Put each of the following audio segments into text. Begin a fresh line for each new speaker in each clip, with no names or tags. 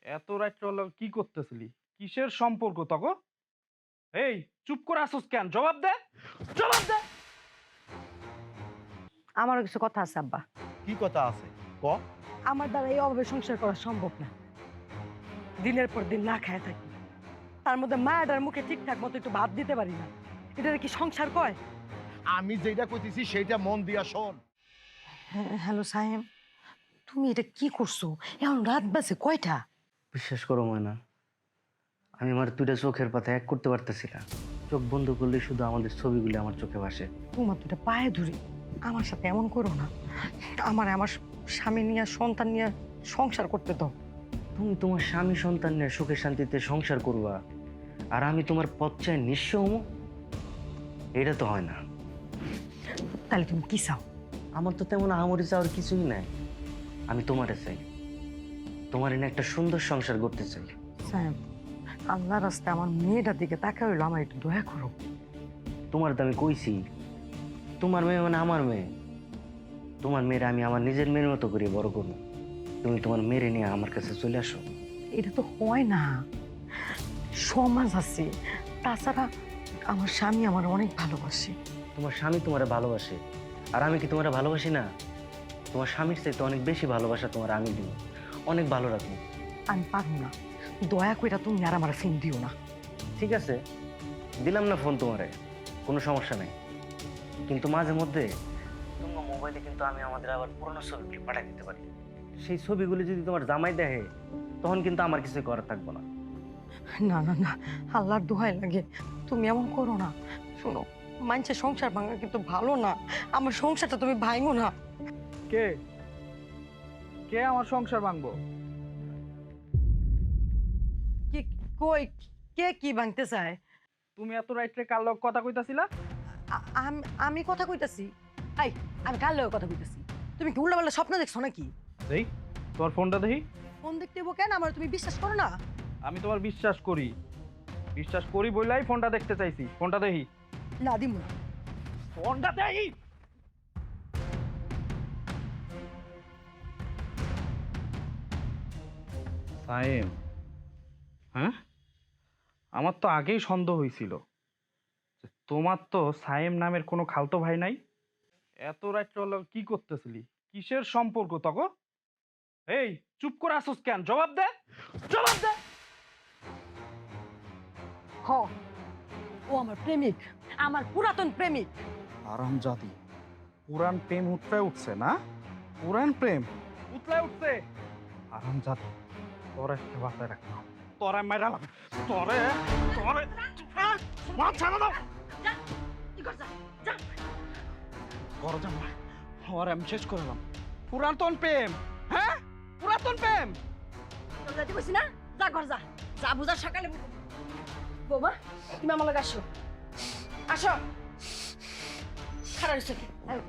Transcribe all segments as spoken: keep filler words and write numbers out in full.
এত রাত্রে হলো কি করতেছিলি? কিসের সম্পর্ক তগো? এই চুপ করে আসুস কেন? জবাব দে, জবাব দে।
আমারও কিছু কথা আছে আব্বা।
কি কথা আছে ক।
আমার দ্বারা এই অভাবে সংসার করা সম্ভব না। দিনের পর দিন না খায় থাকি, তার মধ্যে মায়াটার মুখে ঠিকঠাক মতো একটু ভাত দিতে পারি না। এটা কি সংসার কয়?
আমি যেটা কইতেছি সেইটা মন দিয়া শোন।
হ্যালো সাহেব, তুমি এটা কি করছো? এখন রাত বাজে কয়টা?
বিশ্বাস করো ময়না, আমি আমার দুইটা চোখের পাতা এক করতে পারতেছি না। চোখ বন্ধ করলে শুধু আমাদের ছবিগুলি আমার চোখে ভাসে।
তোমার দুটা পায়ে ধরি, আমার সাথে এমন করো না। আমার আমার স্বামী নিয়ে সন্তান নিয়ে সংসার করতে দাও।
তুমি তোমার স্বামী সন্তান নিয়ে সুখে শান্তিতে সংসার করবা, আর আমি তোমার পথ চাই নিঃস্ব হমু? এটা তো হয় না।
তাহলে তুমি কি চাও?
আমার তো তেমন আহামরি চাওয়ার কিছুই নাই। আমি তোমারে চাই, তোমার এনে একটা সুন্দর সংসার করতে চাই।
সাহেব, আল্লাহ রাস্তায় আমার মেয়েটার দিকে তাকা হইলো, আমার একটু দয়া করো।
তোমার তো আমি কইছি, তোমার মেয়ে মানে আমার মেয়ে। তোমার মেয়ের আমি আমার নিজের মেয়ের মতো করে বড় করবো। তুমি তোমার মেয়েরে নিয়ে আমার কাছে চলে আসো।
এটা তো হয় না, সমাজ আছে। তাছাড়া আমার স্বামী আমার অনেক ভালোবাসে।
তোমার স্বামী তোমারে ভালোবাসে, আর আমি কি তোমারে ভালোবাসি না? তোমার স্বামীর চাইতে অনেক বেশি ভালোবাসা তোমার আমি দিব, অনেক ভালো রাখবো।
আমি পারবো না, দয়া করে তুমি আর আমার ফোন দিও না।
ঠিক আছে, দিলাম না ফোন তোমারে, কোনো সমস্যা নেই। কিন্তু মাঝে মধ্যে তোমার মোবাইলে কিন্তু আমি আমাদের আবার পুরোনো ছবিগুলি পাঠিয়ে দিতে পারি। সেই ছবিগুলি যদি তোমার জামাই দেখে, তখন কিন্তু আমার কিছু করার থাকবো না।
না না না, আল্লাহর দোহাই লাগে, তুমি এমন করো না। শোনো, মানুষের সংসার ভাঙা কিন্তু ভালো না। আমার সংসারটা তুমি ভাঙো না।
কে কে আমার সংসার ভাঙবো?
কি কই, কে কি ভাঙতে চায়?
তুমি এত রাত্রে কার লগ কথা কইতাছিলা?
আ- আম- আমি কথা কইতাছি? আই, আমি কার লগে কথা কইতাছি? তুমি কি উল্টাপাল্টা স্বপ্ন দেখছো নাকি?
দেই তোমার ফোনটা দেখি।
ফোন দেখতে হইবো কেন? আমার তুমি বিশ্বাস করো না?
আমি তোমার বিশ্বাস করি, বিশ্বাস করি বইলাই ফোনটা দেখতে চাইছি। ফোনটা দেখি,
না দিমু না।
ফোনটা দেখি। সাইম, হ্যাঁ, আমার তো আগেই সন্দেহ হয়েছিল যে তোমার তো সাইম নামের কোনো খালতো ভাই নাই। এত রাত্রে হলো কি করতেছিলি? কিসের সম্পর্ক তগো? এই চুপ করে আসুস কেন? জবাব দে, জবাব দে।
হ, ও আমার প্রেমিক, আমার পুরাতন প্রেমিক।
আরাম জাতি, পুরান প্রেম উতলায় উঠছে না? পুরান প্রেম উতলায় উঠছে। আরাম জাতি, তোর একটা বাসায় রাখলাম, তোরে মেরালাম, তোরে তোরে মা ছাড়া দাও। করো জামা, ওর আমি শেষ করলাম। পুরাতন প্রেম, হ্যাঁ, পুরাতন প্রেম।
তোর যাইতে কইছি না? যা ঘর যা, যা বুঝার সকালে বুঝ- বৌমা, তুমি আমার লগে আসো, আসো। খারাপ হইছে কি? আয়।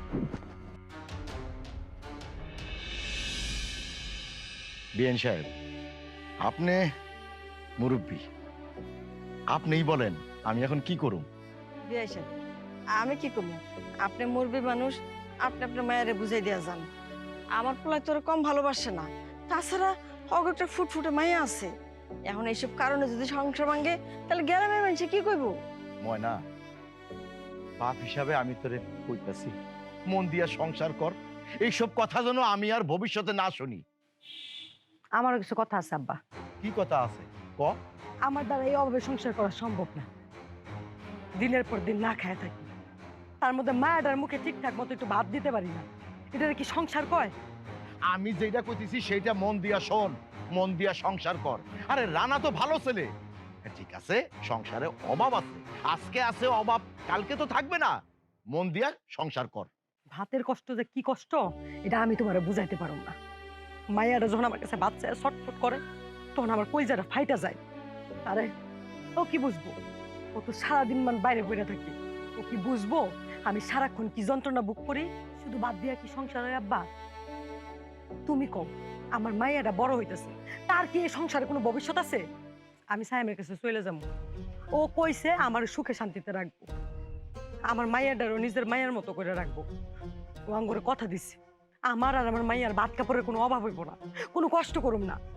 বিএন সাহেব, আপনি মুরব্বী, আপনিই বলেন আমি এখন কি করুম।
বিয়াইছেন, আমি কি করবো? আপনি মুরবি মানুষ, আপনি আপনার মায়েরে বুঝাই দিয়া যান। আমার পোলায় তোর কম ভালোবাসে না। তাছাড়া অগ একটা ফুটফুটে মাইয়া আছে। এখন এইসব কারণে যদি সংসার ভাঙে, তাহলে গ্রামের মানুষে কি কইব?
ময়না, বাপ হিসাবে আমি তোরে কইতাছি, মন দিয়া সংসার কর। এইসব কথা যেন আমি আর ভবিষ্যতে না শুনি।
আমারও কিছু কথা আছে আব্বা।
কি কথা আছে ক।
আমার দ্বারা এই অভাবে সংসার করা সম্ভব না। দিনের পর দিন না খায় থাকি, তার মধ্যে মায়াটার মুখে ঠিকঠাক মতো একটু ভাত দিতে পারি না। এটা কি সংসার কয়?
আমি যেটা কইতেছি সেইটা মন দিয়া শোন, মন দিয়া সংসার কর। আরে রানা তো ভালো ছেলে, হ্যাঁ, ঠিক আছে, সংসারে অভাব আছে, আজকে আছে অভাব, কালকে তো থাকবে না। মন দিয়া সংসার কর।
ভাতের কষ্ট যে কি কষ্ট, এটা আমি তোমারে বুঝাইতে পারো না। মায়াটা যখন আমার কাছে বাচ্চা ছটফট করে, তখন আমার কইজাটা ফাইটা যায়। আরে ও কি বুঝবো? ও তো সারাদিন মান বাইরে পড়ে থাকি। ও কি বুঝবো আমি সারাক্ষণ কি যন্ত্রণা বুক করি? শুধু বাদ দিয়া কি সংসার হয় আব্বা? তুমি কম, আমার মাইয়াটা বড় হইতেছে, তার কি এই সংসারে কোনো ভবিষ্যৎ আছে? আমি সাইমের কাছে চলে যাবো। ও কইছে আমার সুখে শান্তিতে রাখবো, আমার মাইয়াটারও নিজের মায়ের মতো করে রাখবো। ও আঙ্গুরে কথা দিছে, আমার আর আমার মাইয়ার ভাত কাপড়ের কোনো অভাব হইব না, কোনো কষ্ট করুম না।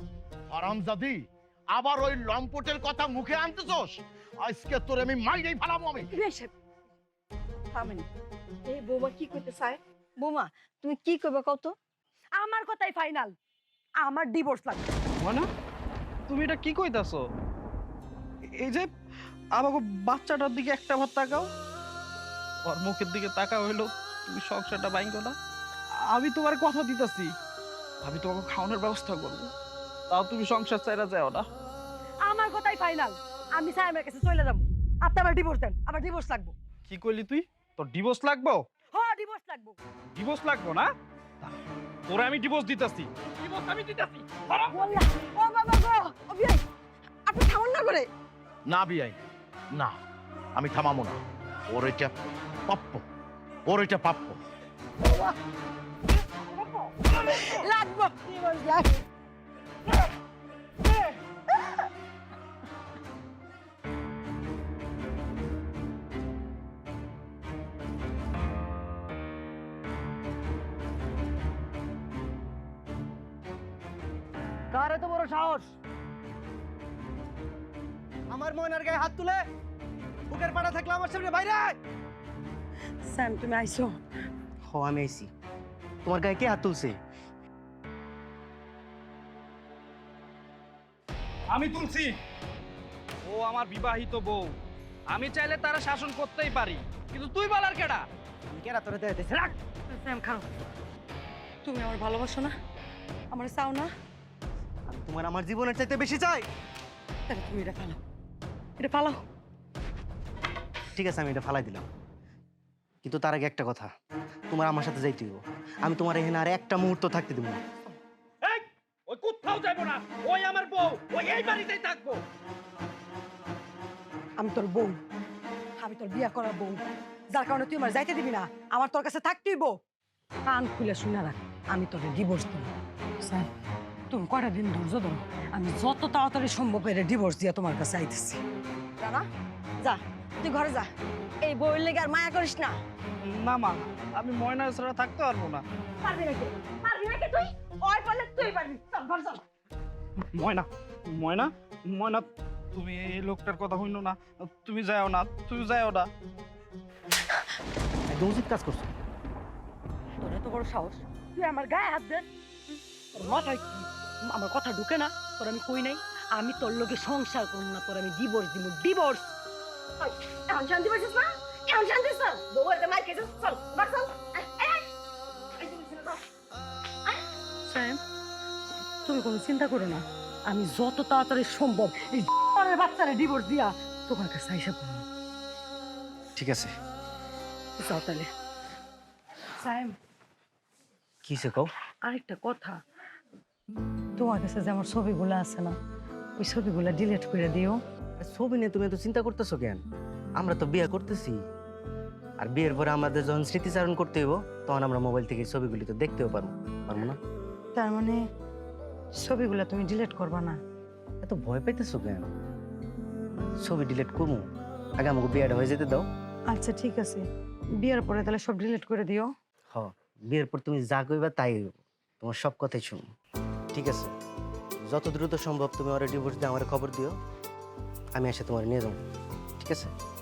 হারামজাদি, আবার ওই লম্পটের কথা মুখে আনতেছস? আজকে তোর আমি মাইরেই ফেলাবো আমি।
থামেন। এই বৌমা কি করতে চায়? বৌমা তুমি কি করবে কত? আমার কথাই ফাইনাল, আমার ডিভোর্স লাগবে।
ময়না, তুমি এটা কি কইতাছো? এই যে আমাকে বাচ্চাটার দিকে একটা ভাত তাকাও, ওর মুখের দিকে তাকা হইলো, তুমি সংসারটা ভাঙো না। আমি তোমার কথা দিতেছি, আমি তোমাকে খাওয়ানোর ব্যবস্থা করবো, তাও তুমি সংসার চাইরা যাও না।
আমার কথাই ফাইনাল, আমি সাইমের কাছে চলে যাবো। আপনি আমার ডিভোর্স দেন, আমার ডিভোর্স লাগবে।
কি কইলি তুই? তোর ডিভোর্স লাগবো?
হ্যাঁ ডিভোর্স লাগবে।
ডিভোর্স লাগবো না? তোরে আমি ডিভোর্স দিতেছি, ডিভোর্স আমি দিতেছি।
বললা ও বাবা গো, ও বিয়াই আপনি থামুন না করে।
না বিয়াই, না, আমি থামাবো না। ওর এটা প্রাপ্য, ওর এটা প্রাপ্য।
লাগবে ডিভোর্স লাগবে।
কার এত বড় সাহস আমার ময়নার গায়ে হাত তুলে? বুকের পাড়া থাকলে আমার সামনে বাইরে আয়।
স্যাম তুমি আইছো?
হ আমি আইছি। তোমার গায়ে কে হাত তুলছে?
আমি তুলছি। ও আমার বিবাহিত বউ, আমি চাইলে তারা শাসন করতেই পারি, কিন্তু তুই বলার কেডা?
আমি কেরা তোরে দেয় দেশে রাখ।
স্যাম খাও, তুমি আমার ভালোবাসো না, আমার চাও না,
আমি তোমার আমার জীবনের চাইতে বেশি চাই।
তাহলে তুমি এটা ফালাও, এটা ফালাও।
ঠিক আছে আমি এটা ফালাই দিলাম, কিন্তু তার আগে একটা কথা, তোমার আমার সাথে যাইতে হইব। আমি তোমার এখানে আর একটা মুহূর্ত থাকতে দেবো না।
এই, ওই কোথাও যাবো না, ওই আমার বউ, ওই এই বাড়িতেই থাকবো।
আমি তোর বউ, আমি তোর বিয়ে করার বউ, যার কারণে তুই আমার যাইতে দিবি না, আমার তোর কাছে থাকতেই বউ। কান খুলে শুনে রাখ, আমি তোর ডিভোর্স দেব। স্যার তুমি কয়টা দিন ধৈর্য ধরো, আমি যত তাড়াতাড়ি সম্ভব এর ডিভোর্স দিয়ে তোমার কাছে আইতেছি। রানা যা, তুই ঘরে যা, এই বউয়ের লেগে আর মায়া করিস না।
না মা, আমি ময়না ছাড়া থাকতে পারবো না।
পারবি নাকি? পারবি নাকি তুই? ওই পারলে তুই পারবি, চল ঘর চল।
ময়না, ময়না, ময়না, তুমি এই লোকটার কথা হইনো না, তুমি যাও না, তুমি যাও না।
একদম উচিত কাজ করছো।
তোর এত বড় সাহস, তুই আমার গায়ে হাত দেন? তোর মাথায় কি আমার কথা ঢুকে না? তোর আমি কই নাই আমি তোর লোকে সংসার করব না, তোর আমি ডিভোর্স দিব, ডিভোর্স। এখন শান্তি পাইছিস না? এখন শান্তি স্যার বউয়ের মার খেয়েছিস, চল বাস চল। স্যাম তুমি কোনো চিন্তা করো না, আমি যত তাড়াতাড়ি সম্ভব এই বাচ্চারা ডিভোর্স দিয়া তোমার কাছে আইসা পড়বো।
ঠিক আছে।
যাও তাহলে। স্যাম
কি সে কও?
আরেকটা কথা, তোমার কাছে যে আমার ছবিগুলো আছে না, ওই ছবিগুলো ডিলিট করে দিও।
ছবি নিয়ে তুমি এত চিন্তা করতেছো কেন? আমরা তো বিয়ে করতেছি, আর বিয়ের পরে আমাদের যখন স্মৃতিচারণ করতে হইব তখন আমরা মোবাইল থেকে ছবিগুলি তো দেখতেও পারবো, পারবো না?
তার মানে ছবিগুলো তুমি ডিলিট করবা না?
এত ভয় পাইতেছো কেন? ছবি ডিলিট করবো, আগে আমাকে বিয়েটা হয়ে যেতে দাও।
আচ্ছা ঠিক আছে, বিয়ের পরে তাহলে সব ডিলিট করে দিও।
হ, বিয়ের পর তুমি যা কইবা তাই হইব, তোমার সব কথাই শুনো। ঠিক আছে, যত দ্রুত সম্ভব তুমি ওরা ডিভোর্স দিয়ে আমার খবর দিও, আমি এসে তোমার নিয়ে যাবো। ঠিক আছে?